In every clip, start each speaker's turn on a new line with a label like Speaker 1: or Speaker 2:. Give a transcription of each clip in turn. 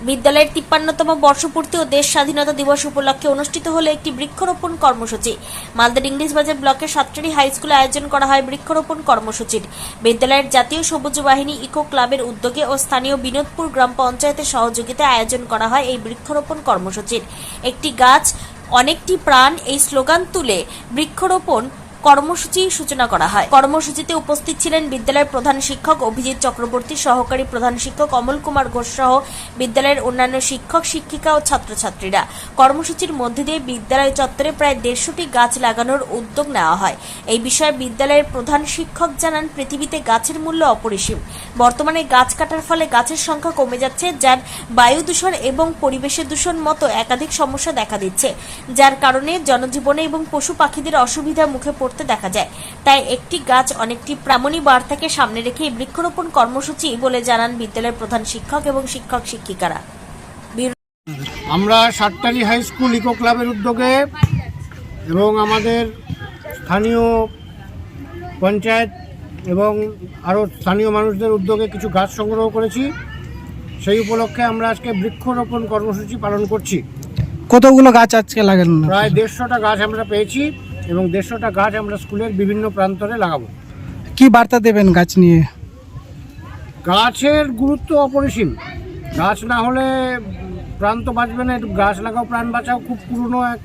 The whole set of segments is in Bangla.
Speaker 1: বিদ্যালয়ের ৫৩তম বর্ষপূর্তি ও দেশ স্বাধীনতা দিবস উপলক্ষে অনুষ্ঠিত হলো একটি বৃক্ষরোপণ কর্মসূচি। মালদার ইংলিশ বাজার ব্লকের সাতটারি হাই স্কুলে আয়োজন করা হয় বৃক্ষরোপণ কর্মসূচির। বিদ্যালয়ের জাতীয় সবুজ বাহিনী ইকো ক্লাবের উদ্যোগে ও স্থানীয় বিনোদপুর গ্রাম পঞ্চায়েতের সহযোগিতায় আয়োজন করা হয় এই বৃক্ষরোপণ কর্মসূচির। একটি গাছ অনেকটি প্রাণ এই স্লোগান তুলে বৃক্ষরোপণ কর্মসূচির সূচনা করা হয়। কর্মসূচিতে উপস্থিত ছিলেন বিদ্যালয়ের প্রধান শিক্ষক অভিজিৎ চক্রবর্তী, সহকারী প্রধান শিক্ষক অমল কুমার ঘোষ সহ বিদ্যালয়ের অন্যান্য শিক্ষক শিক্ষিকা ও ছাত্রছাত্রীরা। কর্মসূচির মধ্যে দিয়ে বিদ্যালয় চত্বরে প্রায় ১৫০টি গাছ লাগানোর উদ্যোগ নেওয়া হয়। এই বিষয়ে বিদ্যালয়ের প্রধান শিক্ষক জানান, পৃথিবীতে গাছের মূল্য অপরিসীম। বর্তমানে গাছ কাটার ফলে গাছের সংখ্যা কমে যাচ্ছে, যার বায়ু দূষণ এবং পরিবেশের দূষণ মতো একাধিক সমস্যা দেখা দিচ্ছে, যার কারণে জনজীবনে এবং পশু পাখিদের অসুবিধার মুখে দেখা যায়। তাই একটি গাছ অনেকটি প্রাণী বার্তাকে সামনে রেখে বৃক্ষরোপণ কর্মসূচি বলে জানান বিদ্যালয়ের প্রধান শিক্ষক এবং শিক্ষক শিক্ষিকারা।
Speaker 2: আমরা সাতটারি হাই স্কুল ইকো ক্লাবের উদ্যোগে এবং আমাদের স্থানীয় পঞ্চায়েত এবং আরও স্থানীয় মানুষদের উদ্যোগে কিছু গাছ সংগ্রহ করেছি। সেই উপলক্ষে আমরা আজকে বৃক্ষরোপণ কর্মসূচি পালন করছি।
Speaker 3: কতগুলো গাছ আজকে লাগানো?
Speaker 2: প্রায় ১৫০টা গাছ আমরা পেয়েছি এবং ১৫০টা গাছ আমরা স্কুলের বিভিন্ন প্রান্তরে লাগাবো।
Speaker 3: কি বার্তা দেবেন গাছ নিয়ে?
Speaker 2: গাছের গুরুত্ব অপরিসীম। গাছ না হলে প্রাণ তো বাঁচবে না। একটু গাছ লাগাও প্রাণ বাঁচাও খুব পুরনো এক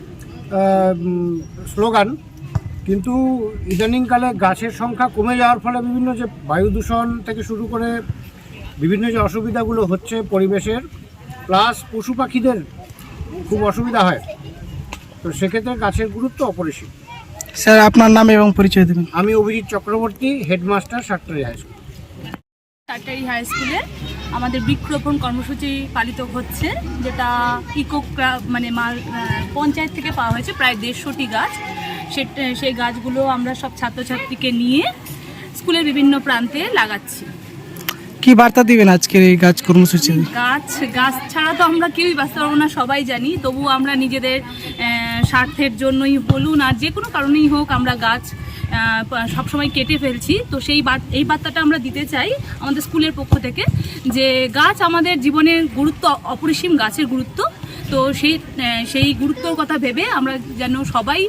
Speaker 2: স্লোগান, কিন্তু ইদানিংকালে গাছের সংখ্যা কমে যাওয়ার ফলে বিভিন্ন যে বায়ু দূষণ থেকে শুরু করে বিভিন্ন যে অসুবিধাগুলো হচ্ছে পরিবেশের, প্লাস পশু পাখিদের খুব অসুবিধা হয়, তো সেক্ষেত্রে গাছের গুরুত্ব অপরিসীম।
Speaker 3: স্যার, আপনার নাম এবং পরিচয় দেবেন।
Speaker 2: আমি Abhijit Chakraborty, headmaster Sattari high school.
Speaker 4: Sattari high স্কুলে আমাদের বৃক্ষরোপণ কর্মসূচি পালিত হচ্ছে, যেটা ইকো ক্লাব মানে পঞ্চায়েত থেকে পাওয়া হয়েছে প্রায় ১৫০টি গাছ। সেই গাছগুলো আমরা সব ছাত্রছাত্রীকে নিয়ে স্কুলের বিভিন্ন প্রান্তে লাগাচ্ছি।
Speaker 3: কি বার্তা দিবেন আজকের এই গাছ কর্মসূচি?
Speaker 4: গাছ ছাড়া তো আমরা কেউই বাঁচতে পারবো না, সবাই জানি। তবু আমরা নিজেদের স্বার্থের জন্যই বলুন আর যে কোনো কারণেই হোক, আমরা গাছ সবসময় কেটে ফেলছি। তো এই বার্তাটা আমরা দিতে চাই আমাদের স্কুলের পক্ষ থেকে, যে গাছ আমাদের জীবনের গুরুত্ব অপরিসীম, গাছের গুরুত্ব। তো সেই গুরুত্বর কথা ভেবে আমরা যেন সবাই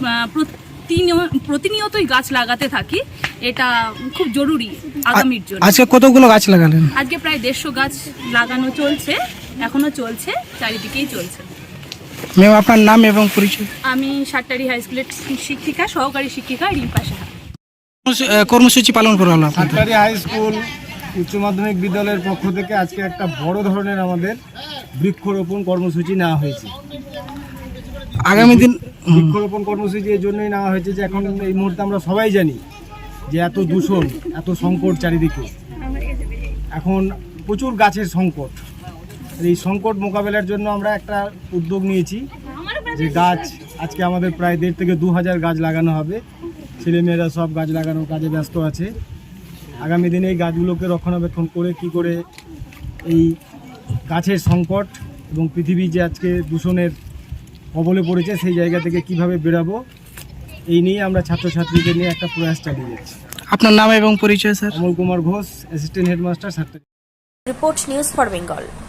Speaker 4: প্রতিনিয়তই গাছ লাগাতে থাকি, এটা খুব জরুরি আগামীর জন্য।
Speaker 3: আজকে কতগুলো গাছ লাগালেন?
Speaker 4: আজকে প্রায় ১৫০ গাছ লাগানো চলছে, এখনো চলছে, চারিদিকেই চলছে।
Speaker 3: ম্যাম, আপনার নাম এবং পরিচয়?
Speaker 4: আমি সাতটারি হাই স্কুলের শিক্ষিকা, সহকারী শিক্ষিকা রিম্পা সাহা।
Speaker 3: কর্মসূচি পালন করা হলো
Speaker 2: সাতটারি হাই স্কুল উচ্চ মাধ্যমিক বিদ্যালয়ের পক্ষ থেকে আজকে একটা বড় ধরনের আমাদের বৃক্ষরোপণ কর্মসূচি নেওয়া হয়েছে।
Speaker 3: আগামী দিন
Speaker 2: বৃক্ষরোপণ কর্মসূচি এই জন্যই নেওয়া হয়েছে যে এখন এই মুহূর্তে আমরা সবাই জানি যে এত দূষণ, এত সংকট চারিদিকে, এখন প্রচুর গাছের সংকট। এই সংকট মোকাবেলার জন্য আমরা একটা উদ্যোগ নিয়েছি যে গাছ আজকে আমাদের প্রায় ১,৫০০ থেকে ২,০০০ গাছ লাগানো হবে। ছেলেমেয়েরা সব গাছ লাগানোর কাজে ব্যস্ত আছে। আগামী দিনে এই গাছগুলোকে রক্ষণাবেক্ষণ করে কি করে এই গাছের সংকট এবং পৃথিবী যে আজকে দূষণের কবলে পড়েছে সেই জায়গা থেকে কিভাবে বেরাবো, এই নিয়ে আমরা ছাত্রছাত্রীদের নিয়ে একটা প্রয়াস চালিয়ে যাচ্ছি।
Speaker 3: আপনার নাম এবং পরিচয়? Sir,
Speaker 2: Amal Kumar Ghosh, assistant headmaster, Sattari.
Speaker 1: Report news for Bengal.